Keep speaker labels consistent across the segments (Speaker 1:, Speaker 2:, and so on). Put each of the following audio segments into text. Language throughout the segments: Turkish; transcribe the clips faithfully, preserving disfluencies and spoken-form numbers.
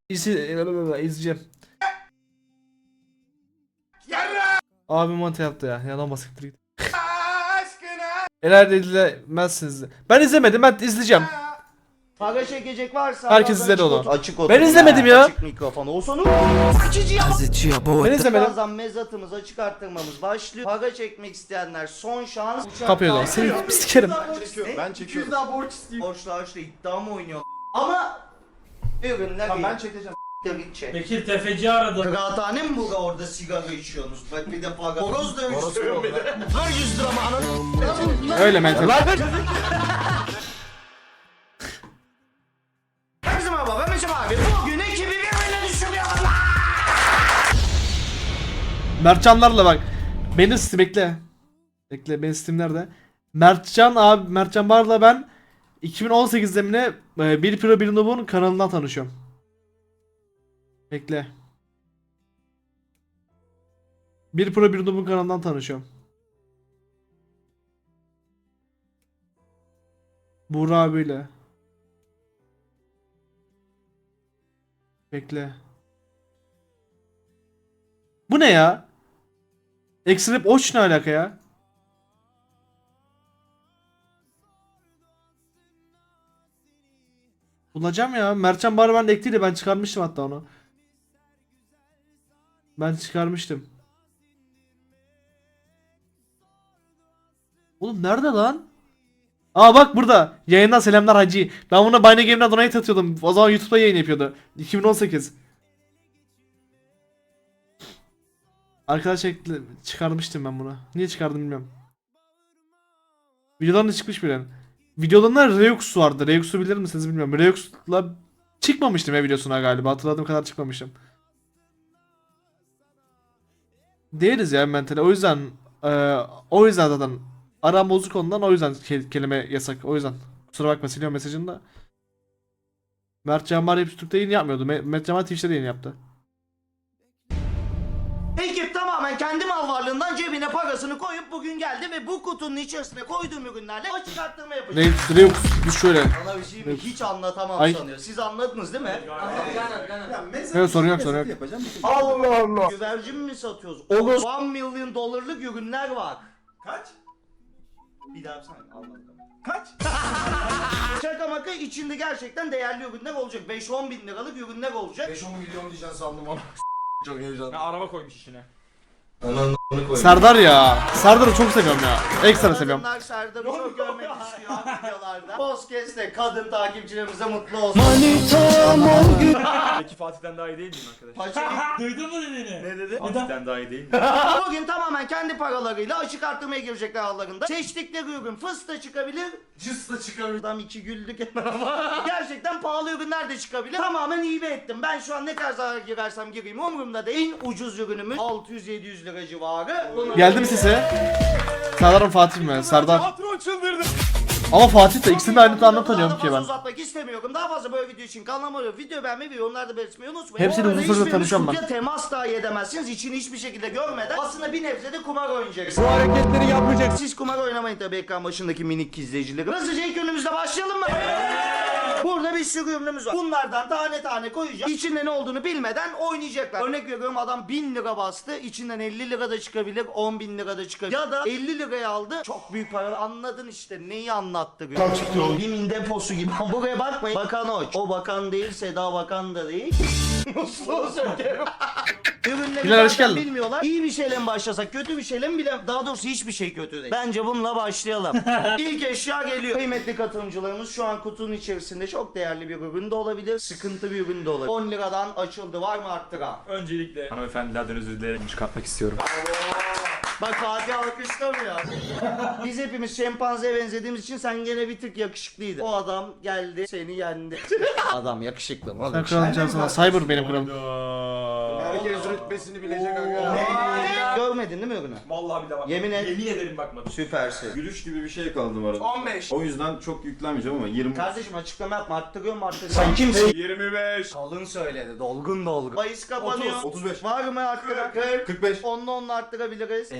Speaker 1: İzi, izleyeceğim. Abi monte yaptı ya. Yalan basiktir git. Herhalde izlemezsiniz. Ben izlemedim, ben izleyeceğim.
Speaker 2: Para çekecek varsa
Speaker 1: Herkes
Speaker 2: adam
Speaker 1: izledi
Speaker 2: açık
Speaker 1: onu.
Speaker 2: otur- Açık otur.
Speaker 1: Ben izlemedim ya.
Speaker 2: Açık mikrofon olsun.
Speaker 1: Ben izlemedim.
Speaker 2: Birazdan mezatımız açık arttırmamız başlıyor. Para çekmek isteyenler son şans. Uçak
Speaker 1: Kapıyor da.
Speaker 2: kalkıyor.
Speaker 1: Seni sikerim.
Speaker 2: Ne?
Speaker 3: Ben çekiyorum.
Speaker 2: daha borç isteyeyim. Borçlu harçlı iddia mı oynuyor? Ama ürünler
Speaker 3: Tamam
Speaker 2: iyi.
Speaker 3: ben çekeceğim.
Speaker 2: Tabii çek.
Speaker 4: Bekir tefeci aradı.
Speaker 2: Kıraathane mi bu orada sigara içiyorsunuz? Bak bir de para. Horoz dövüştürüyorum bir de. Ver yüz lira mı ananı?
Speaker 1: Öyle mental.
Speaker 2: Herkese merhaba ben Meşem abi. Bugün ekibi birbirine düşürüyorlar.
Speaker 1: Mertcanlarla bak. Beni Steam bekle. Bekle, benim Steam nerede? Mertcan abi, Mertcan Bar'la ben iki bin on sekizde mi ne e, bir Pro bir Noob'un kanalından tanışıyorum. Bekle. bir Pro bir Noob'un kanalından tanışıyorum. Buğra abiyle. Bekle. Bu ne ya? Extrap Oç ne alaka ya? Bulacağım ya. Mertcan Bar ben ekliydi, ben çıkarmıştım hatta onu. Ben çıkarmıştım. Oğlum nerede lan? Aa bak burada. Yayından selamlar Hacı. Ben buna Bayne Game'den donate atıyordum. O zaman YouTube'da yayın yapıyordu. iki bin on sekiz. Arkadaş ekle çıkarmıştım ben bunu. Niye çıkardım bilmiyorum. Videodan da çıkmış bile. Videolarında Reux vardı. Reux'u bilir misiniz bilmiyorum. Reux'la çıkmamıştım ya videosuna galiba. Hatırladığım kadar çıkmamışım. Değiliz ya mentale. O yüzden e, o yüzden zaten aram bozuk ondan, o yüzden ke- kelime yasak. O yüzden. Kusura bakma, siliyorum mesajını da. Mert Canbar hep Türk'te yayın yapmıyordu. Me- Mert Canbar Twitch'te de yayın yaptı.
Speaker 2: Ekip tamamen kendi mal varlığından cebine parasını koyup bugün geldi ve bu kutunun içerisine koyduğum ürünlerle açık arttırma yapacak.
Speaker 1: Ne Reux biz şöyle.
Speaker 2: Bana bir şey mi? Hiç anlatamam
Speaker 1: Ay.
Speaker 2: sanıyor. Siz anladınız değil mi?
Speaker 1: Evet, sorun yok, sorun yok.
Speaker 3: Yapacağım.
Speaker 2: Allah Allah. Güvercin mi satıyoruz? Olur. bir milyon dolarlık ürünler var.
Speaker 3: Kaç?
Speaker 2: Bir daha yapsana. Anladım.
Speaker 3: Kaç?
Speaker 2: Şaka maka içinde gerçekten değerli ürünler olacak. beş on bin liralık ürünler olacak.
Speaker 3: beş on milyon diyeceksin sandım ama. Çok heyecanlı.
Speaker 4: Ya araba koymuş içine.
Speaker 2: Ananı koyayım.
Speaker 1: Serdar ya. Serdar'ı çok seviyorum ya. Ekstra seviyorum.
Speaker 2: Kadınlar Serdar'ı çok görmek istiyor videolarda. Podcast'te kadın takipçilerimize mutlu olsun.
Speaker 4: Peki Fatih'ten daha iyi değil miyim arkadaş?
Speaker 2: Paçayı
Speaker 4: Duydun mu dediğini?
Speaker 2: ne dedi?
Speaker 4: Fatih'ten daha iyi değil mi?
Speaker 2: Bugün tamamen kendi paralarıyla açık arttırmaya girecekler aralarında. Seçtikleri ürün fıstık çıkabilir.
Speaker 3: Cıs da çıkarır.
Speaker 2: Adam iki güldük ama gerçekten pahalı ürünler de çıkabilir. Tamamen hibe ettim. Ben şu an ne kadar zarar girersem gireyim umurumda değil. En ucuz ürünümüz altı yüz yedi yüz lira civarı. Bunu
Speaker 1: Geldi mi sesi? Serdar'ın Fatih mi? Serdar.
Speaker 3: Patron çıldırdı.
Speaker 1: Ama Fatih de ikisini de aynı anda
Speaker 2: Daha
Speaker 1: tanıyorum ki
Speaker 2: fazla
Speaker 1: ben.
Speaker 2: uzatmak istemiyorum. Daha fazla böyle video için kanalıma abone olup video beğenmeyi ve yorumlarda belirtmeyi unutmayın.
Speaker 1: Hepsiyle
Speaker 2: Bu arada
Speaker 1: uzun süredir
Speaker 2: hiçbiriniz
Speaker 1: tanışıyorum ben.
Speaker 2: kutuya temas dahi edemezsiniz. İçini hiçbir şekilde görmeden aslında bir nebze de kumar oynayacaksınız.
Speaker 3: Bu hareketleri yapmayacaksın.
Speaker 2: Siz kumar oynamayın tabii ekran başındaki minik izleyicilerim. Hızlıca ilk ürünümüzle başlayalım mı? Burada bir sürü ürünümüz var. Bunlardan tane tane koyacağız. İçinde ne olduğunu bilmeden oynayacaklar. Örnek veriyorum, adam bin lira bastı. İçinden elli lira da çıkabilir, on bin lira da çıkabilir. Ya da elli liraya aldı. Çok büyük para. Anladın işte neyi anlattı. Kaç çıktı oğlum? Bimin deposu gibi. Buraya bakmayın. Bakan o. O bakan değil, Seda Bakan da değil. Musluğu sökerim. Ürünleri
Speaker 1: Bilal, hoş
Speaker 2: zaten
Speaker 1: geldin.
Speaker 2: bilmiyorlar. İyi bir şeyle mi başlasak, kötü bir şeyle mi bile? Daha doğrusu hiçbir şey kötü değil. Bence bununla başlayalım. İlk eşya geliyor. Kıymetli katılımcılarımız, şu an kutunun içerisinde çok değerli bir ürün de olabilir, sıkıntı bir ürün de olabilir. on liradan açıldı. Var mı arttıran?
Speaker 4: Öncelikle hanımefendilerden özür dileyerek çıkartmak istiyorum.
Speaker 2: Bak Fatih alkışlamıyor. Biz hepimiz şempanzeye benzediğimiz için sen gene bir tık yakışıklıydın. O adam geldi seni yendi. Adam yakışıklı mı?
Speaker 1: Sen kralın cansına. Cyber benim kralım.
Speaker 3: Herkes rütbesini bilecek aga.
Speaker 2: Görmedin değil mi ürünü?
Speaker 4: Vallahi bir de bak.
Speaker 2: Yemin et.
Speaker 4: Yemin ederim bakmadım.
Speaker 2: Süpersin.
Speaker 5: Gülüş gibi bir şey kaldı bu arada.
Speaker 3: on beş.
Speaker 5: O yüzden çok yüklenmeyeceğim ama yirmi.
Speaker 2: Kardeşim açıklama yapma, arttırıyor mu arttırıyor? Sen kimsin?
Speaker 3: yirmi beş.
Speaker 2: Kalın söyledi, dolgun dolgun. Bahis kapanıyor.
Speaker 5: otuz beş.
Speaker 2: Var mı arttıran? kırk.
Speaker 5: kırk beş.
Speaker 2: Onunla onunla arttırabiliriz.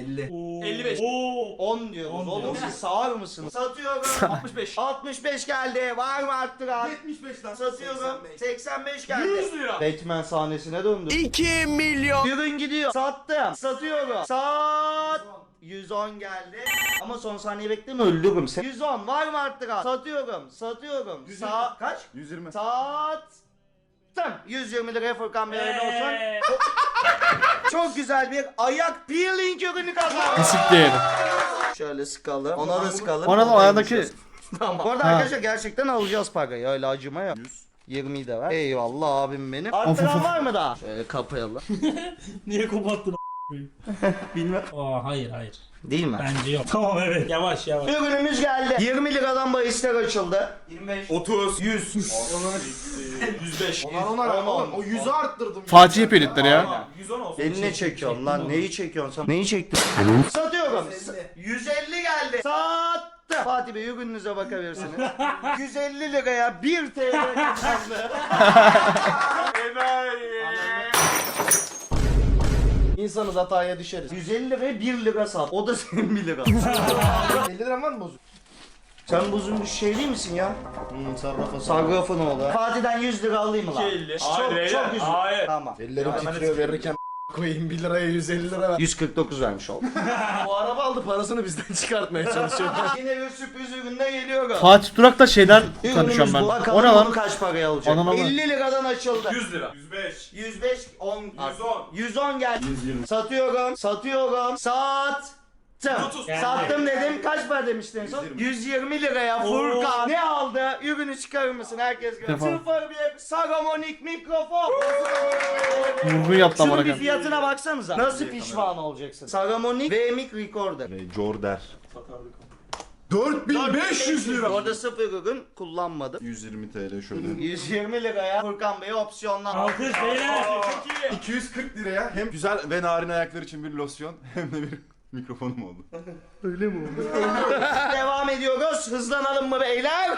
Speaker 3: elli.
Speaker 4: elli beş.
Speaker 2: on diyoruz. Oğlum siz sağır mısınız? Satıyorum.
Speaker 4: altmış beş.
Speaker 2: altmış beş geldi. Var mı arttıran?
Speaker 3: yetmiş beş lan.
Speaker 2: Satıyorum. seksen beş geldi.
Speaker 4: yüz lira.
Speaker 2: Batman sahnesine döndü. iki milyon. Ürün gidiyor. Sattım. Satıyorum. Sat. yüz on geldi. Ama son saniye bekleme öldürürüm seni. yüz on var mı arttıran? Satıyorum. Satıyorum. Sa kaç?
Speaker 5: yüz yirmi.
Speaker 2: Sattım. yüz yirmi liraya Furkan Bey hayırlı olsun. Çok güzel bir ayak peeling ürünü kazandı.
Speaker 1: Pisik diyelim.
Speaker 2: Şöyle sıkalım. Ona da sıkalım.
Speaker 1: Ona da o ayağındaki
Speaker 2: Tamam. Bu arada
Speaker 1: Ha.
Speaker 2: arkadaşlar gerçekten alacağız parayı. Öyle acıma yok.
Speaker 5: yüz.
Speaker 2: yirmiyi de ver. Eyvallah abim benim.
Speaker 1: Of,
Speaker 2: Arttıran
Speaker 1: of.
Speaker 2: var mı daha? Şöyle kapayalım.
Speaker 6: Niye kopattın
Speaker 2: Bilmem.
Speaker 6: Aa hayır hayır.
Speaker 2: Değil mi?
Speaker 6: Bence yok. Tamam evet. Yavaş yavaş.
Speaker 2: Ürünümüz geldi. yirmi liradan bahisler açıldı.
Speaker 3: yirmi beş.
Speaker 5: otuz.
Speaker 3: yüz.
Speaker 4: yüz beş.
Speaker 3: Onar onar oğlum. O yüzü arttırdım.
Speaker 1: Fatih yapıyor editleri ya.
Speaker 4: yüz on olsun.
Speaker 2: Eline çekiyorsun lan. Neyi çekiyorsun sen? Neyi çektin? Satıyorum. yüz elli geldi. Sattım. Fatih Bey ürününüze bakabilirsiniz. yüz elli liraya bir T L kazandı.
Speaker 3: İnsanız hataya düşeriz.
Speaker 2: yüz elli liraya bir lira sat. O da senin bir lira.
Speaker 3: elli liram var mı bozuk?
Speaker 2: Sen bozulmuş şey değil misin ya?
Speaker 3: Hmm sarrafa
Speaker 2: Sarrafın oğlu. Fatih'den yüz lira alayım mı lan?
Speaker 4: iki elli.
Speaker 2: Çok
Speaker 4: Hayır,
Speaker 2: çok
Speaker 4: beyler,
Speaker 2: üzüldüm.
Speaker 4: hayır.
Speaker 2: Tamam.
Speaker 3: Ellerim titriyor verirken koyayım bir liraya yüz elli lira ver.
Speaker 2: yüz kırk dokuz vermiş oldum.
Speaker 3: Bu araba aldı parasını bizden çıkartmaya çalışıyor.
Speaker 2: Yine bir sürpriz üründe geliyor.
Speaker 1: Fatih Durak'ta şeyden
Speaker 2: Ürünümüz
Speaker 1: tanışıyorum ben.
Speaker 2: bu.
Speaker 1: O
Speaker 2: Bakalım
Speaker 1: ne
Speaker 2: bunu
Speaker 1: lan?
Speaker 2: kaç paraya alacak?
Speaker 1: Anam ama.
Speaker 2: elli liradan açıldı.
Speaker 4: yüz lira. yüz beş.
Speaker 2: yüz beş, on,
Speaker 4: yüz on.
Speaker 2: yüz on geldi.
Speaker 5: yüz yirmi.
Speaker 2: Satıyorum, satıyorum. Sattım.
Speaker 4: otuz.
Speaker 2: Sattım dedim. Kaç para demiştin en son? yüz yirmi liraya Furkan ne aldı? Ürünü çıkarır mısın? Herkes görüyor.
Speaker 1: Defol.
Speaker 2: Sıfır bir Sagamonik mikrofon.
Speaker 1: Vurgun yaptı
Speaker 2: Şunun
Speaker 1: amına
Speaker 2: bir
Speaker 1: koyayım.
Speaker 2: fiyatına baksanıza. Nasıl pişman olacaksın? Sagamonik V M I C Recorder.
Speaker 5: Jorder. dört bin beş yüz lira.
Speaker 2: Orada sıfır ürün kullanmadım.
Speaker 5: yüz yirmi T L şöyle.
Speaker 2: yüz yirmi liraya Furkan Bey'e opsiyonlar.
Speaker 6: Alkış beyler.
Speaker 5: iki yüz kırk liraya hem güzel ve narin ayaklar için bir losyon hem de bir mikrofonum oldu.
Speaker 2: Devam ediyoruz. Hızlanalım mı beyler?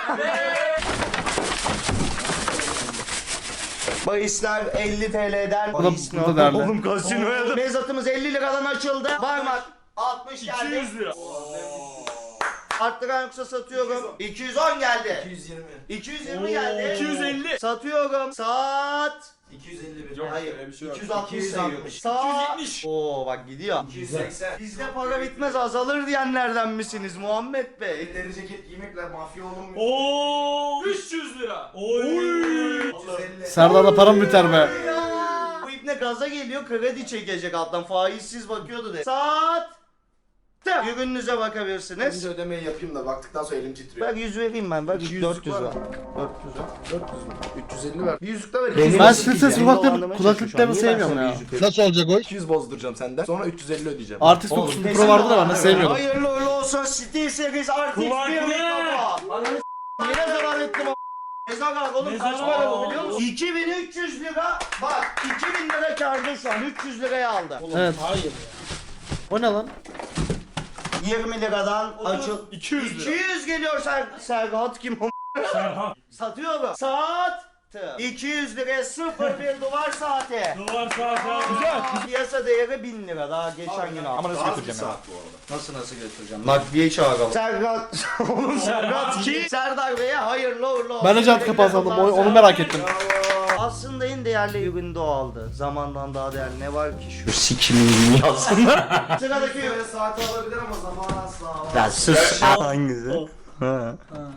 Speaker 2: Bahisler elli T L'den.
Speaker 1: Bu da-
Speaker 2: Bahis
Speaker 1: bu da
Speaker 2: ne?
Speaker 1: değerli.
Speaker 2: Oğlum kasinoya da. Mezatımız elli liradan açıldı. Parmak altmış geldi.
Speaker 4: iki yüz lira.
Speaker 2: Arttıran yoksa satıyorum. iki yüz on geldi.
Speaker 3: iki yüz yirmi.
Speaker 2: iki yüz yirmi geldi.
Speaker 4: iki yüz elli.
Speaker 2: Satıyorum. Saat.
Speaker 3: iki yüz elli bir.
Speaker 4: Yok.
Speaker 2: Hayır.
Speaker 5: öyle bir şey yok.
Speaker 2: iki yüz altmış
Speaker 3: iki yüz
Speaker 2: sayıyormuş.
Speaker 3: altmış.
Speaker 2: Saat.
Speaker 4: iki yüz yetmiş.
Speaker 2: Oo bak gidiyor.
Speaker 3: iki yüz seksen.
Speaker 2: Bizde para bitmez azalır diyenlerden misiniz Muhammed Bey?
Speaker 3: Elleri ceket giymekle mafya olunmuyor.
Speaker 6: Oo.
Speaker 4: üç yüz lira.
Speaker 6: Oy.
Speaker 3: üç yüz elli.
Speaker 1: Serdar'da param biter be.
Speaker 2: Bu ipne gaza geliyor kredi çekecek alttan faizsiz bakıyordu de. Saat. Ürününüze bakabilirsiniz.
Speaker 3: Önce ödemeyi yapayım da baktıktan sonra elim titriyor.
Speaker 2: Ben yüz vereyim ben. Bak
Speaker 3: yüzlük
Speaker 2: dört yüz
Speaker 3: var
Speaker 2: var.
Speaker 3: mı?
Speaker 2: dört yüz var.
Speaker 3: dört yüz mü? üç yüz elli ver. Bir yüzük de ver.
Speaker 2: Benim-
Speaker 3: iki yüz
Speaker 1: Ben
Speaker 3: bozduracağım.
Speaker 1: ses ses
Speaker 2: Beni
Speaker 1: kulaklık,
Speaker 2: dolandırmaya
Speaker 1: kulaklıklarını
Speaker 2: çalışıyor şu an.
Speaker 1: sevmiyorum
Speaker 2: Niye
Speaker 1: ya.
Speaker 2: ben sana yüzük
Speaker 3: Nasıl olacak o? iki yüz bozduracağım senden. Sonra üç yüz elli ödeyeceğim.
Speaker 1: Artist
Speaker 2: Oğlum,
Speaker 1: dokuz
Speaker 2: kesin
Speaker 1: Pro vardı da ben de
Speaker 2: dolandırma.
Speaker 1: sevmiyordum.
Speaker 2: Hayırlı uğurlu olsun Steel Series Artist bir
Speaker 6: Kulaklık.
Speaker 2: mikrofon. Ananı s***, yine zarar ettim o. Mezar oğlum kaç
Speaker 6: Mezar-
Speaker 2: para bu biliyor musun? iki bin üç yüz lira. Bak iki bin lira kârda şu an üç yüz liraya aldı.
Speaker 1: Evet.
Speaker 6: Hayır ya.
Speaker 1: O ne lan?
Speaker 2: yirmi liradan açıl.
Speaker 4: iki yüz
Speaker 2: iki
Speaker 4: lira.
Speaker 2: yüz geliyor Ser Serhat kim o?
Speaker 6: Serhan.
Speaker 2: Satıyorum. Saat. iki yüz liraya sıfır bir duvar saati.
Speaker 6: Duvar saat abi. Güzel.
Speaker 2: Piyasa değeri bin lira daha geçen gün aldım.
Speaker 5: Ama nasıl götüreceğim saat bu arada?
Speaker 2: Nasıl nasıl götüreceğim? Nakliye çağıralım. Serhat. Oğlum Serhat ki Serdar Bey'e hayırlı uğurlu olsun.
Speaker 1: Ben de jant kapağı sandım. Onu, onu merak ettim.
Speaker 2: Aslında en değerli ürün de o aldı. Zamandan daha değerli ne var ki şu sikimin aslında. Sıradaki ürün.
Speaker 3: Böyle saati alabilir ama zaman asla alamaz.
Speaker 2: Ya sus. Hangisi? Ha.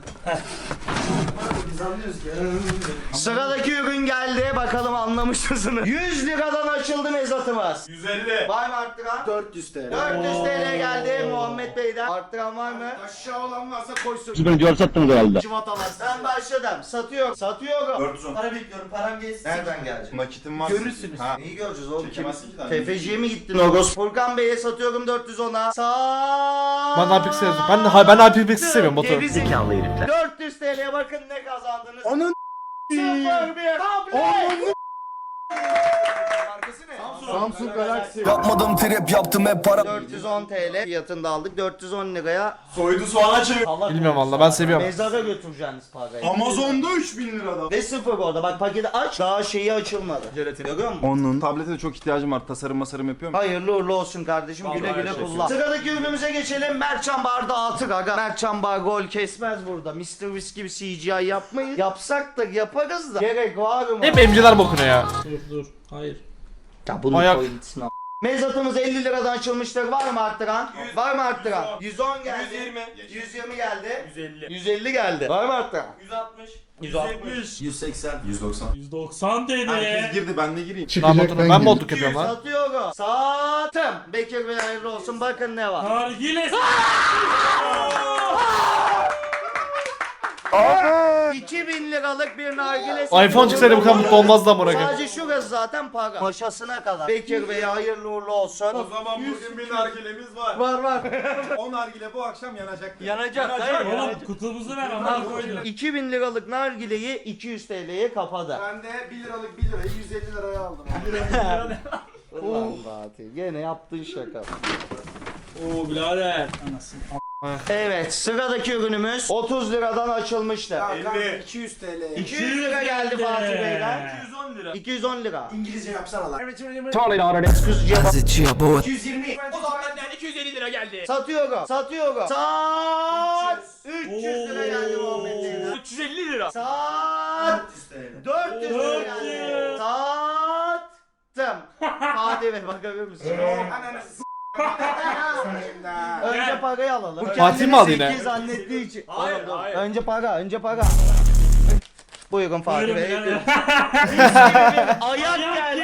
Speaker 3: Biz anlıyoruz ki.
Speaker 2: Sıradaki ürün geldi. Bakalım anlamış mısınız? yüz liradan açıldı mezatımız.
Speaker 4: yüz elli.
Speaker 2: Var mı arttıran?
Speaker 3: dört yüz T L.
Speaker 2: dört yüz T L geldi Muhammed Bey'den. Arttıran var mı?
Speaker 3: Aşağı olan varsa koysun.
Speaker 2: Civatalar. Ben başladım. Satıyorum. Satıyorum.
Speaker 5: dört yüz on.
Speaker 2: Para bekliyorum. Param gelsin. Nereden gelecek?
Speaker 5: Nakitim var.
Speaker 3: Görürsünüz.
Speaker 5: Ha.
Speaker 2: Neyi göreceğiz oğlum?
Speaker 5: Çekemezsin ki daha.
Speaker 2: Tefeciye mi gittin Ogos? Furkan Bey'e satıyorum dört yüz ona. Sağ.
Speaker 1: Ben Apex'i seviyorum. Ben de ben Apex'i seviyorum Batu.
Speaker 2: Gerizekalı herifler. dört yüz T L'ye bakın ne kazandınız.
Speaker 3: Onun
Speaker 2: Sıfır bir tablet.
Speaker 5: Samsung Galaxy.
Speaker 7: Yapmadım trip yaptım hep para.
Speaker 2: dört yüz on TL fiyatında aldık. dört yüz on liraya
Speaker 4: Soydu soğana çevir.
Speaker 1: Bilmiyorum valla ben seviyorum.
Speaker 2: mezara götüreceğiniz parayı.
Speaker 5: Amazon'da üç bin liradan.
Speaker 2: Ve sıfır orada. Bak paketi aç. Daha şeyi açılmadı. Jelatin. Görüyor musun?
Speaker 5: Onun tablete de çok ihtiyacım var. Tasarım masarım yapıyorum.
Speaker 2: Hayırlı uğurlu olsun kardeşim. Güle güle kullan. Sıradaki ürünümüze geçelim. Mertcan Bar'da atı gaga. Mertcan Bar gol kesmez burada. mister Whisk gibi C G I yapmayız. Yapsak da yaparız da. Gerek var mı?
Speaker 1: Hep emciler bokuna ya.
Speaker 6: Dur dur. Hayır.
Speaker 2: Ya bunun
Speaker 1: Ayak.
Speaker 2: pointini al. Mezatımız elli liradan açılmıştır. Var mı arttıran? Var mı arttıran? yüz on geldi.
Speaker 4: yüz yirmi.
Speaker 2: yüz yirmi geldi.
Speaker 4: yüz elli.
Speaker 2: yüz elli geldi. Var mı arttıran?
Speaker 4: yüz altmış.
Speaker 2: yüz altmış.
Speaker 3: yüz seksen.
Speaker 5: yüz doksan.
Speaker 6: yüz doksan
Speaker 5: Herkes
Speaker 6: dedi.
Speaker 5: girdi ben de gireyim.
Speaker 1: Lan botu- ben botluk yapıyorum lan.
Speaker 2: Satıyorum. Sattım. Bekir Bey hayırlı olsun. Bakın ne var.
Speaker 6: Nargile.
Speaker 2: iki bin liralık bir nargile.
Speaker 1: iPhone çıksaydı bu kadar mutlu olmazdı amına koyayım.
Speaker 2: Sadece şurası zaten para. Maşasına kadar. Bekir Bey hayırlı uğurlu olsun.
Speaker 5: O zaman bugün bir nargilemiz var.
Speaker 2: Var var.
Speaker 5: O nargile bu akşam yanacak.
Speaker 2: Yanacak. Hayır.
Speaker 6: Oğlum kutumuzu ver ama koydum.
Speaker 2: iki bin liralık nargileyi iki yüz T L'ye kapadı.
Speaker 3: Ben de bir liralık bir lirayı yüz elli liraya aldım.
Speaker 2: Ulan Fatih gene yaptığın şaka.
Speaker 6: Oo birader. Anasını.
Speaker 2: Evet sıradaki ürünümüz otuz liradan açılmıştı.
Speaker 3: elli. iki yüz T L.
Speaker 2: iki yüz lira geldi Fatih Bey'den.
Speaker 4: iki yüz on lira.
Speaker 2: iki yüz on lira.
Speaker 3: İngilizce yapsana lan.
Speaker 2: iki yüz yirmi.
Speaker 4: O zaman benden iki yüz elli lira geldi.
Speaker 2: Satıyorum. Satıyorum. Sat. üç yüz lira geldi Muhammed Bey'den.
Speaker 4: üç yüz elli lira.
Speaker 2: Sat. dört yüz lira geldi. Sattım. Fatih Bey bakabilir misin? Önce parayı alalım. Bu
Speaker 1: Fatih mi aldı yine?
Speaker 2: kendini zeki zannettiği için.
Speaker 4: Hayır,
Speaker 2: Oğlum, dur.
Speaker 4: hayır.
Speaker 2: Önce para, önce para. Buyurun Fatih
Speaker 6: Buyurun
Speaker 2: Bey.
Speaker 6: birader.
Speaker 2: Ayak geldi.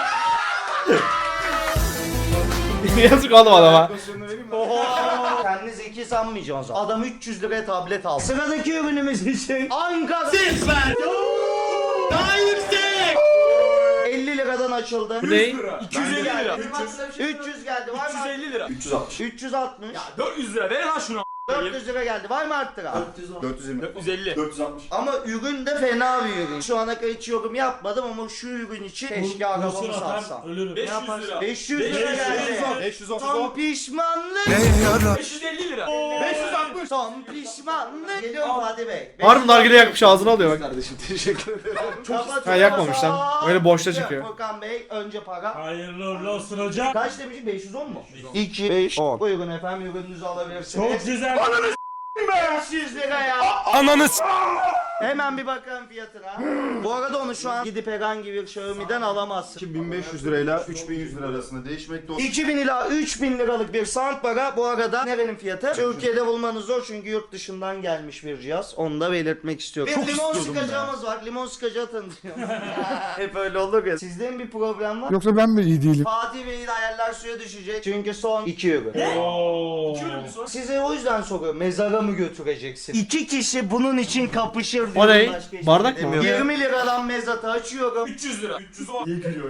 Speaker 1: Yazık oğlum adama.
Speaker 2: Oho. Kendini zeki sanmayacaksın o zaman. Adam üç yüz liraya tablet aldı. Sıradaki ürünümüz için Ankara. Süper. Daha yüksek. elli liradan açıldı.
Speaker 1: Bu ne?
Speaker 4: iki yüz elli lira.
Speaker 2: üç yüz geldi. Var
Speaker 4: üç yüz
Speaker 2: mı?
Speaker 4: elli lira.
Speaker 5: üç yüz altmış.
Speaker 2: üç yüz altmış.
Speaker 4: dört yüz lira ver lan şunu.
Speaker 2: dört yüz lira geldi. Var mı arttıran?
Speaker 5: dört yüz yirmi.
Speaker 4: dört yüz elli.
Speaker 5: dört yüz altmış.
Speaker 2: Ama ürün de fena bir ürün. Şu ana kadar hiç yorum yapmadım ama şu ürün için keşke arabamı
Speaker 6: Kusura
Speaker 2: satsam.
Speaker 6: atar ölürüm.
Speaker 4: beş yüz lira.
Speaker 2: beş yüz lira
Speaker 6: beş yüz
Speaker 2: geldi.
Speaker 5: beş yüz otuz
Speaker 2: Son
Speaker 5: on.
Speaker 2: pişmanlık.
Speaker 4: beş yüz elli lira. beş yüz altmış.
Speaker 2: Son pişmanlık. Geliyorum Fatih Bey.
Speaker 1: Harbi nargile yakmış ağzına alıyor bak.
Speaker 3: Kardeşim teşekkür ederim.
Speaker 2: Kapatıyorum.
Speaker 1: Ha, yakmamış lan. Öyle boşta çıkıyor.
Speaker 2: Furkan Bey önce para.
Speaker 6: Hayırlı uğurlu olsun hocam.
Speaker 2: Kaç demişim? beş yüz on mu? iki, beş, on. Buyurun efendim ürününüzü alabilirsiniz.
Speaker 6: Çok güzel.
Speaker 2: beş yüz lira ya.
Speaker 7: Ananız.
Speaker 2: Hemen bir bakalım fiyatına. Bu arada onu şu an gidip herhangi bir Xiaomi'den alamazsın.
Speaker 5: iki bin beş yüz lirayla üç bin yüz lira arasında değişmekte olur.
Speaker 2: iki bin ila üç bin liralık bir soundbar'a bu arada nerenin fiyatı? Türkiye'de bulmanız zor çünkü yurt dışından gelmiş bir cihaz. Onu da belirtmek istiyorum. Bir limon sıkacağımız var. Limon sıkacağı tanıtıyorum. Hep öyle olur ya. Sizde mi bir problem var?
Speaker 7: Yoksa ben mi iyi değilim?
Speaker 2: Fatih Bey'in hayaller suya düşecek. Çünkü son iki ürün.
Speaker 6: Oo.
Speaker 2: Size o yüzden soruyorum. Mezara mı götüreceksin? İki kişi bunun için kapışır.
Speaker 1: O
Speaker 2: diyorum,
Speaker 1: ne?
Speaker 2: başka hiçbir
Speaker 1: Bardak
Speaker 2: şey
Speaker 1: mı?
Speaker 2: demiyorum. yirmi liradan mezatı açıyorum.
Speaker 4: üç yüz lira. üç yüz on.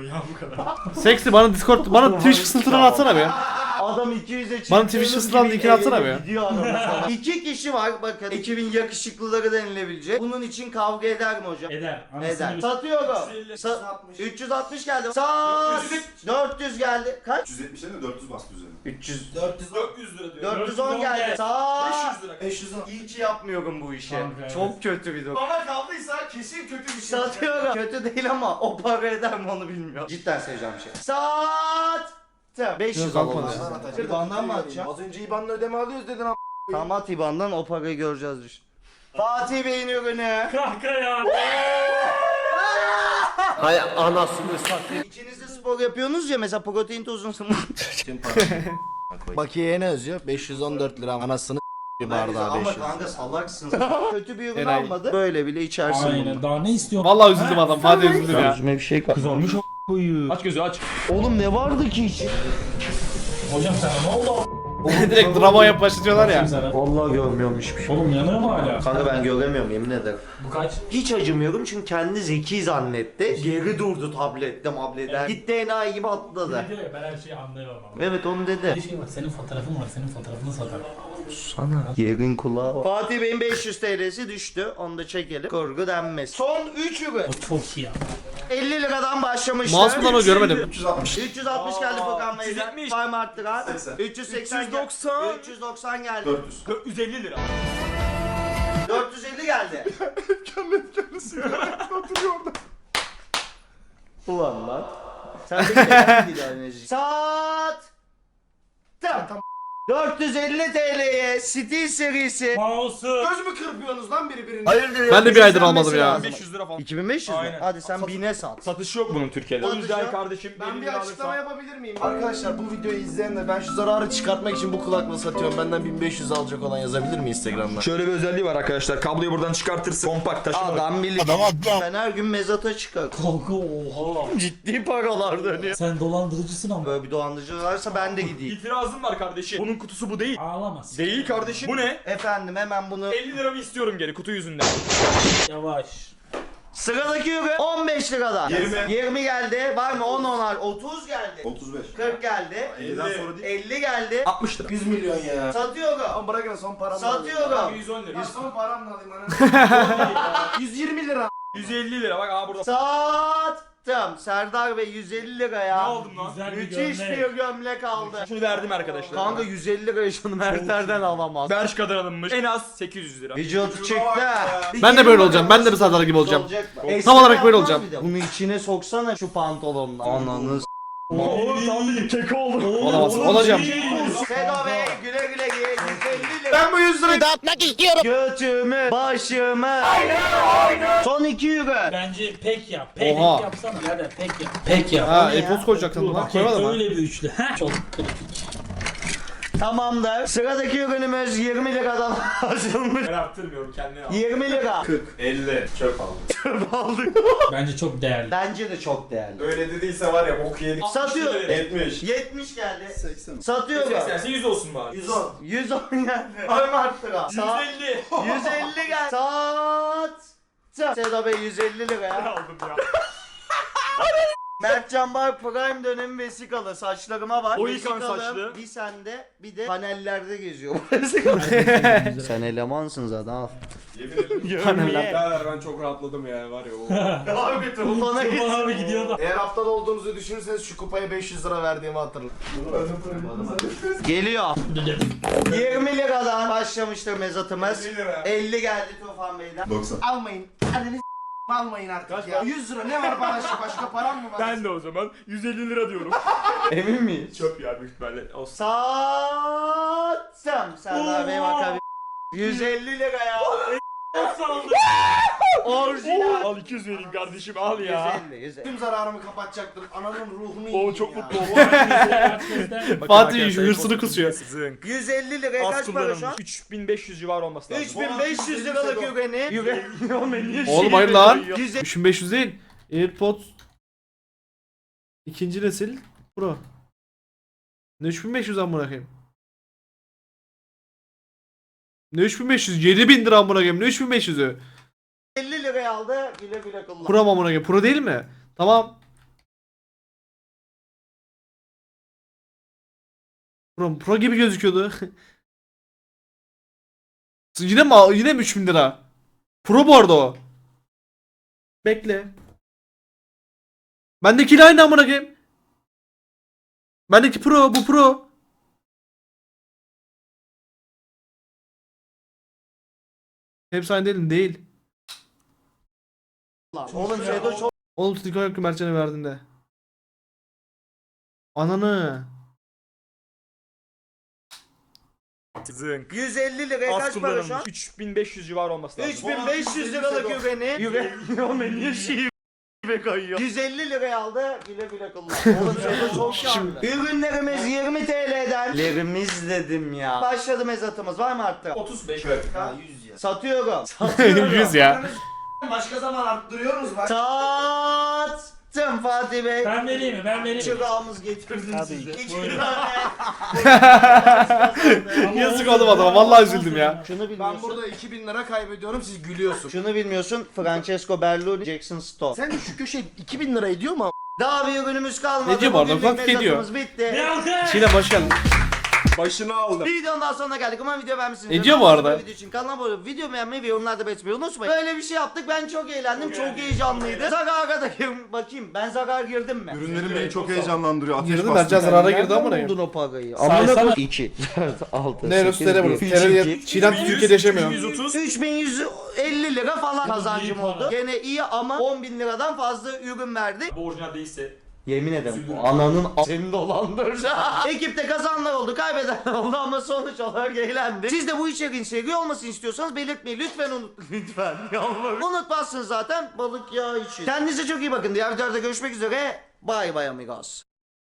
Speaker 1: Seksi bana Discord bana Twitch fısıltıdan atsana be.
Speaker 2: Adam iki yüze çıktı.
Speaker 1: Bana Twitch ısıran linkini atsana be.
Speaker 2: İki kişi var bakın. ekibin yakışıklıları denilebilecek. Bunun için kavga eder mi hocam?
Speaker 6: Eder.
Speaker 2: Eder.
Speaker 6: Anasını
Speaker 2: Satıyorum.
Speaker 4: üç yüz elli.
Speaker 2: Sa- üç yüz altmış geldi. Sat. dört yüz geldi. Kaç?
Speaker 5: üç yüz yetmiş de dört yüz bastı üzerine.
Speaker 2: üç yüz.
Speaker 4: dört yüz dört yüz lira diyor.
Speaker 2: dört yüz on geldi.
Speaker 4: beş
Speaker 2: Sat.
Speaker 4: yüz lira.
Speaker 3: beş yüz on.
Speaker 2: İyi ki yapmıyorum bu işi.
Speaker 6: Kanka, evet.
Speaker 2: Çok kötü bir durum.
Speaker 3: Bana kaldıysa kesin kötü bir şey.
Speaker 2: Satıyorum. Kötü değil ama o para eder mi onu bilmiyorum. Cidden seveceğim şey. Sat. beş yüz
Speaker 1: Yok,
Speaker 2: alalım.
Speaker 1: kalkmadı.
Speaker 3: İban'dan atacağım.
Speaker 2: İban'dan mı atacağım?
Speaker 3: Az önce İban'la ödeme alıyoruz dedin ama.
Speaker 2: Tamam at İban'dan o parayı göreceğiz düşün. Fatih Bey'in ürünü.
Speaker 6: Kanka ya.
Speaker 3: Hay anasını satayım.
Speaker 2: İkiniz de spor yapıyorsunuz ya mesela protein tozunu.
Speaker 3: Bakiye ne yazıyor? beş yüz on dört lira anasını bir bardağı
Speaker 2: Ama
Speaker 3: beş yüz.
Speaker 2: kanka salaksın. Kötü bir ürün
Speaker 1: Enayi.
Speaker 2: almadı. Böyle bile içersin bunu.
Speaker 6: Aynen. Daha ne istiyorsun?
Speaker 1: Vallahi üzüldüm adam. Fatih üzüldüm ya.
Speaker 2: Yüzüme bir şey kaldı.
Speaker 6: Kızarmış o koyu. Aç gözü aç.
Speaker 2: Oğlum ne vardı ki içi?
Speaker 6: Hocam sana ne oldu?
Speaker 1: Direkt drama yap başlatıyorlar ya.
Speaker 6: Sana.
Speaker 2: Vallahi görmüyorum hiçbir şey.
Speaker 6: Oğlum yanıyor mu hala?
Speaker 2: Kanka ben göremiyorum yemin ederim.
Speaker 6: Bu kaç?
Speaker 2: Hiç acımıyorum çünkü kendi zeki zannetti. Geri durdu tablette mableden. Gitti enayi gibi atladı.
Speaker 6: Diyor ya ben her şeyi anlıyorum ama.
Speaker 2: Evet onu dedi.
Speaker 6: Bir şey var senin fotoğrafın var senin fotoğrafını satar.
Speaker 2: Yerin kulağı var. Fatih Bey'in beş yüz T L'si düştü. Onu da çekelim. Kurgu denmez. Son üç ürün.
Speaker 6: O çok iyi ya.
Speaker 2: elli liradan başlamışlar.
Speaker 1: Mouse bundan o görmedim.
Speaker 5: üç yüz altmış.
Speaker 2: üç yüz altmış geldi Furkan Bey'den.
Speaker 4: üç yüz yetmiş.
Speaker 2: Var mı arttıran?
Speaker 5: seksen.
Speaker 2: üç yüz seksen.
Speaker 4: üç yüz doksan.
Speaker 2: üç yüz doksan geldi.
Speaker 5: dört yüz.
Speaker 4: dört yüz elli lira.
Speaker 2: dört yüz elli geldi.
Speaker 5: Kendi kendine sigara oturuyor orada.
Speaker 2: Ulan lan. Sen de neden bir daha enerji? Saat. Tam. dört yüz elli T L'ye Steel serisi.
Speaker 6: Mouse'u.
Speaker 3: Göz mü kırpıyorsunuz lan birbirine?
Speaker 2: Hayırdır?
Speaker 1: Ben de bir aydır almadım ya.
Speaker 4: beş yüz lira falan.
Speaker 2: iki bin beş yüz mü?
Speaker 4: Aynen.
Speaker 2: Hadi sen bine sat.
Speaker 4: Satışı yok bunun Türkiye'de. O
Speaker 2: Satışı
Speaker 4: yüzden
Speaker 2: yok.
Speaker 4: kardeşim
Speaker 3: Ben
Speaker 4: elli
Speaker 3: bir
Speaker 4: lira
Speaker 3: açıklama
Speaker 4: alırsan.
Speaker 3: yapabilir miyim? Arkadaşlar bu videoyu izleyen de ben şu zararı çıkartmak için bu kulaklığı satıyorum. Benden bin beş yüz alacak olan yazabilir mi Instagram'dan?
Speaker 4: Şöyle bir özelliği var arkadaşlar. Kabloyu buradan çıkartırsın. Kompakt taşıma.
Speaker 2: Adam bilir. Ben her gün mezata çıkar.
Speaker 6: Kanka oha.
Speaker 2: Ciddi paralar dönüyor.
Speaker 6: Sen dolandırıcısın ama.
Speaker 2: Böyle bir dolandırıcı varsa ben de gideyim.
Speaker 4: İtirazım var kardeşim. Bunun kutusu bu değil.
Speaker 6: Ağlamaz.
Speaker 4: Değil kardeşim. Bu ne?
Speaker 2: Efendim hemen bunu.
Speaker 4: elli liramı istiyorum geri kutu yüzünden.
Speaker 6: Yavaş.
Speaker 2: Sıradaki ürün on beş liradan.
Speaker 5: yirmi.
Speaker 2: yirmi geldi. Var mı? on onar. otuz geldi.
Speaker 5: otuz beş.
Speaker 2: kırk geldi.
Speaker 5: elliden sonra değil.
Speaker 2: elli geldi.
Speaker 4: altmış lira.
Speaker 3: yüz milyon ya.
Speaker 2: Satıyorum.
Speaker 3: Ama bırakın son paramı
Speaker 2: Satıyorum.
Speaker 4: yüz on lira.
Speaker 3: Ya son paramı da alayım ana. yüz yirmi lira.
Speaker 4: yüz elli lira bak aa burada.
Speaker 2: Sattım. Serdar Bey yüz elli liraya.
Speaker 4: Ne aldım lan?
Speaker 6: Güzel bir
Speaker 2: Müthiş
Speaker 6: gömlek.
Speaker 2: bir gömlek aldı.
Speaker 4: Şunu verdim arkadaşlar.
Speaker 2: Kanka yüz elli lirayı şunu Mertler'den alamaz.
Speaker 4: Bershka'dan alınmış. En az sekiz yüz lira.
Speaker 2: Vücut çıktı.
Speaker 1: Ben de böyle olacağım. Ben de bir Serdar gibi olacağım.
Speaker 2: Olacak mı?
Speaker 1: Tam
Speaker 2: Eskiden
Speaker 1: olarak böyle
Speaker 2: yapmaz
Speaker 1: olacağım.
Speaker 2: mıydı? Bunu içine soksana şu pantolonla. Ananı s***.
Speaker 4: Oğlum tam bir keko oldu.
Speaker 1: Olamaz. Olacağım.
Speaker 2: Sedo Bey güle güle giy. yüz elli lira.
Speaker 3: Ben bu yüz lirayı
Speaker 2: Dağıtmak istiyorum. Götümü, başımı. Son iki ürün.
Speaker 6: Bence pek yap. Pek
Speaker 1: Oha.
Speaker 6: yapsana. Hadi pek yap. Pek yap.
Speaker 1: Ha,
Speaker 2: ne ya?
Speaker 1: e-post koyacaktın buna.
Speaker 6: Bak
Speaker 1: Koymadın mı?
Speaker 6: öyle bir üçlü. Ha? Çok kritik.
Speaker 2: Tamamdır. Sıradaki ürünümüz yirmi liradan açılmış.
Speaker 4: Ben arttırmıyorum kendine al.
Speaker 2: yirmi lira.
Speaker 5: elli. Çöp aldım.
Speaker 2: Aldık.
Speaker 6: Bence çok değerli.
Speaker 2: Bence de çok değerli.
Speaker 5: Öyle dediyse var ya bok yedik.
Speaker 2: Satıyor.
Speaker 5: yetmiş.
Speaker 2: yetmiş geldi.
Speaker 5: seksen.
Speaker 2: Satıyorum.
Speaker 4: seksense yüz olsun bari.
Speaker 2: yüz on. yüz on geldi. Var mı arttıra?
Speaker 4: yüz elli.
Speaker 2: yüz elli geldi. Sat. Sedo Bey yüz elli liraya.
Speaker 4: aldım ya.
Speaker 2: Mertcan Bar Prime dönemi vesikalı saçlarıma var.
Speaker 4: O yıkan
Speaker 2: Vesikalım
Speaker 4: saçlı.
Speaker 2: Bir sende bir de panellerde geziyor. Sen elemansın zaten al.
Speaker 5: Yemin ederim.
Speaker 1: Paneller.
Speaker 5: Birader ben çok rahatladım ya var ya o.
Speaker 2: Abi bana
Speaker 6: Kurban
Speaker 2: gitsin.
Speaker 6: abi gidiyor da.
Speaker 3: Eğer haftada olduğunuzu düşünürseniz şu kupaya beş yüz lira verdiğimi hatırlayın.
Speaker 2: Geliyor. yirmi liradan başlamıştır mezatımız.
Speaker 5: elli lira.
Speaker 2: elli geldi Tufan Bey'den.
Speaker 5: doksan.
Speaker 3: Almayın. Anneniz s*** almayın artık ya. yüz lira ne var başka başka param mı var?
Speaker 4: Ben de o zaman yüz elli lira diyorum.
Speaker 2: Emin miyiz?
Speaker 4: Çöp ya büyük ihtimalle. Olsun.
Speaker 2: Sattım. Serdar Bey bakabilir. yüz elli liraya. Orijinal.
Speaker 4: Al iki yüz vereyim kardeşim al ya.
Speaker 2: yüz elli, yüz elli.
Speaker 3: Tüm zararımı kapatacaktım. Ananın ruhunu
Speaker 4: O
Speaker 3: yiyeyim
Speaker 4: çok
Speaker 3: ya.
Speaker 4: mutlu oldu.
Speaker 1: Fatih hırsını kusuyor.
Speaker 4: Zınk.
Speaker 2: yüz elli liraya
Speaker 4: Az
Speaker 2: kaç para şu an?
Speaker 4: kullanılmış. üç bin beş yüz civarı olması lazım.
Speaker 2: üç bin beş yüz liralık ürünü. Ürün.
Speaker 1: Oğlum hayır lan.
Speaker 2: yüz elli.
Speaker 1: üç bin beş yüz değil. AirPods ikinci nesil Pro. Ne üç bin beş yüz amına koyayım? Ne üç bin beş yüz? yedi bin lira amına koyayım. Ne üç bin beş yüzü?
Speaker 2: elli liraya aldı. Güle güle kullan.
Speaker 1: Pro mu amına koyayım? Pro değil mi? Tamam. Pro, Pro gibi gözüküyordu. Yine mi yine mi üç bin lira? Pro bu arada o. Bekle. Bendekiyle aynı amına koyayım. Bendeki Pro, bu Pro. Hepsi aynı değil mi? Değil.
Speaker 2: Oğlum Sedo çok
Speaker 1: Oğlum Tiko yok ki Mertcan'a verdiğinde. Ananı.
Speaker 4: Zınk.
Speaker 2: yüz elli liraya
Speaker 4: Az
Speaker 2: kaç para şu an?
Speaker 4: kullanılmış. üç bin beş yüz civarı olması lazım.
Speaker 2: üç bin beş yüz liralık ürünü. Ürün. Niye şive kayıyor? yüz elli liraya aldı. Güle güle kullan. Oğlum Sedo çok şanlı. Ürünlerimiz yirmi T L'den. Lerimiz dedim ya. Başladı mezatımız. Var mı arttı?
Speaker 4: otuz beş.
Speaker 3: Ha yüz ya.
Speaker 2: Satıyorum. Satıyorum.
Speaker 1: yüz ya.
Speaker 3: Başka zaman arttırıyoruz bak.
Speaker 2: Sattım Fatih Bey.
Speaker 6: Ben vereyim mi? Ben vereyim mi?
Speaker 2: Çırağımız getirdim
Speaker 6: Tabii
Speaker 2: size.
Speaker 6: ki.
Speaker 2: İki
Speaker 6: Buyurun.
Speaker 2: tane.
Speaker 1: Yazık oğlum adama. Vallahi üzüldüm ya.
Speaker 2: Şunu
Speaker 3: Ben
Speaker 2: bilmiyorsun.
Speaker 3: burada iki bin lira kaybediyorum siz gülüyorsunuz.
Speaker 2: Şunu bilmiyorsun. Francesco Berloni, Jackson Stone.
Speaker 3: Sen de şu köşe iki bin lira ediyor mu?
Speaker 2: Daha bir ürünümüz kalmadı.
Speaker 1: Ne diyor bu arada?
Speaker 2: Bugünlük
Speaker 1: Ufak ediyor.
Speaker 2: mezatımız bitti.
Speaker 6: Bir alkış.
Speaker 1: Şile hoş geldin.
Speaker 3: Başını aldım.
Speaker 2: Videonun daha sonuna geldik. Umarım video beğenmişsiniz.
Speaker 1: Ediyor bu arada.
Speaker 2: Video için kanala abone olup video beğenmeyi ve yorumlarda belirtmeyi unutmayın. Böyle bir şey yaptık. Ben çok eğlendim. Çok heyecanlıydı. Zarara da girdim. Bakayım ben zarar girdim mi?
Speaker 5: Ürünlerin beni çok heyecanlandırıyor. Ateş
Speaker 1: Girdi
Speaker 5: bastı.
Speaker 1: Mertcan zarara girdi ama
Speaker 2: Nereden
Speaker 1: ne?
Speaker 2: buldun o parayı?
Speaker 6: Saysana.
Speaker 2: Amına iki, dört, altı,
Speaker 1: Ne Ruslara bunu? Terör Çiğdem Türkiye'de yaşamıyor.
Speaker 2: üç bin yüz elli lira falan kazancım
Speaker 6: iyi
Speaker 2: oldu.
Speaker 6: para.
Speaker 2: Gene iyi ama on bin liradan fazla ürün verdi.
Speaker 4: Bu orijinal değilse.
Speaker 2: Yemin ederim ananın a- seni dolandır. Ekipte kazananlar oldu, kaybedenler oldu ama sonuç olarak eğlendi. Siz de bu içeriğin seri olmasını istiyorsanız belirtmeyi lütfen unut. Lütfen yalvarırım. Unutmazsınız zaten balık yağı için. Kendinize çok iyi bakın. Diğer videolarda görüşmek üzere. Bye bye amigos.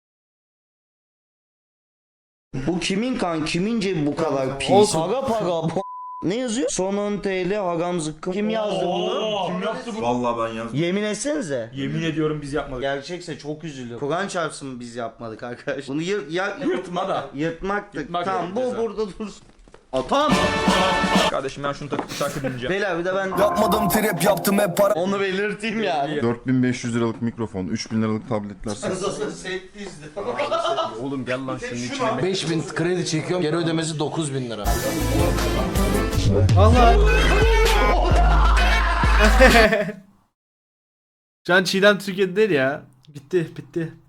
Speaker 2: Bu kimin kan? Kimin cebi bu kadar pis?
Speaker 1: Olsun.
Speaker 2: Para para. bu- Ne yazıyor? Son on T L hagam zıkkım. Kim yazdı bunu?
Speaker 4: Kim yaptı bunu?
Speaker 5: Vallahi ben yazdım.
Speaker 2: Yemin etsenize.
Speaker 4: Yemin ediyorum biz yapmadık.
Speaker 2: Gerçekse çok üzülüyorum. Kur'an çarpsın biz yapmadık arkadaş. Bunu yır, ya,
Speaker 4: Yırtma da.
Speaker 2: yırtmaktık.
Speaker 4: Yırtmak
Speaker 2: tamam
Speaker 4: yok
Speaker 2: bu
Speaker 4: ceza.
Speaker 2: burada dursun. Atam.
Speaker 4: Kardeşim ben şunu takıp şarkı dinleyeceğim.
Speaker 2: Beyler bir de ben
Speaker 7: Yapmadım trap yaptım hep para.
Speaker 2: onu belirteyim yani.
Speaker 5: dört bin beş yüz liralık mikrofon, üç bin liralık tabletler.
Speaker 2: Set dizdi.
Speaker 3: Oğlum gel lan şunun içine. beş bin kredi çekiyorum. Geri ödemesi dokuz bin lira.
Speaker 1: Valla. Can Çiğdem Türkiye'de değil ya. Bitti bitti.